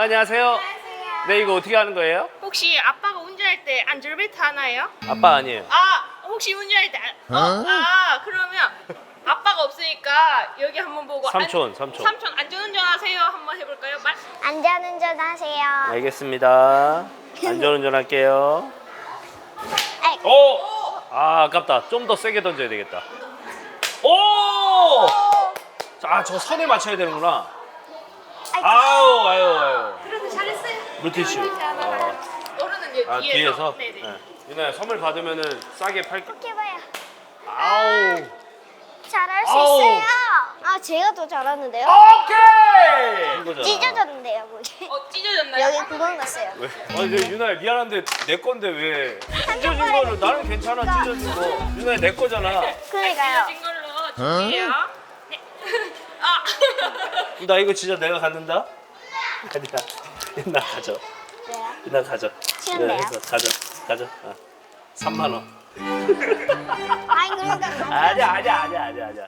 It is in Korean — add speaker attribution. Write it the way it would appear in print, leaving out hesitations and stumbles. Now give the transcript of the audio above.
Speaker 1: 안녕하세요. 네, 이거 어떻게 하는 거예요?
Speaker 2: 혹시 아빠가 운전할 때 안전벨트 하나요?
Speaker 1: 아빠 아니에요.
Speaker 2: 혹시 운전할 때 그러면 아빠가 없으니까 여기 한번 보고
Speaker 1: 삼촌.
Speaker 2: 삼촌 안전운전 하세요. 한번 해볼까요?
Speaker 3: 안전운전 하세요.
Speaker 1: 알겠습니다. 안전운전 할게요.
Speaker 3: 아이.
Speaker 1: 오! 아깝다. 좀 더 세게 던져야 되겠다. 오! 자, 저 선에 맞춰야 되는구나. 아유.
Speaker 2: 그래도 잘했어요.
Speaker 1: 물티슈.
Speaker 2: 어른은 뒤에서.
Speaker 1: 뒤에서?
Speaker 2: 네네.
Speaker 1: 네. 유나야, 선물 받으면은 싸게 팔게.
Speaker 3: 이렇게 봐요.
Speaker 1: 아우.
Speaker 3: 잘할 수
Speaker 1: 아우.
Speaker 3: 있어요. 제가 더 잘하는데요?
Speaker 1: 오케이! 이거잖아.
Speaker 3: 찢어졌는데요, 거기.
Speaker 2: 찢어졌나요?
Speaker 3: 여기 구멍 났어요.
Speaker 1: 왜? 유나야, 미안한데 내 건데 왜? 찢어진 거를 나는 괜찮아, 찢어진 거. 유나야, 내 거잖아.
Speaker 3: 그러니까요.
Speaker 2: 찢어진 걸로 줄게요. 네.
Speaker 1: 나 이거 진짜 내가 갖는다? 아니야. 유나 가져.
Speaker 3: 왜요?
Speaker 1: 유나 가져.
Speaker 3: 싫은데요?
Speaker 1: 유나 해서 가져. 3만 원.
Speaker 3: 아니, 그러니까.
Speaker 1: 아니야.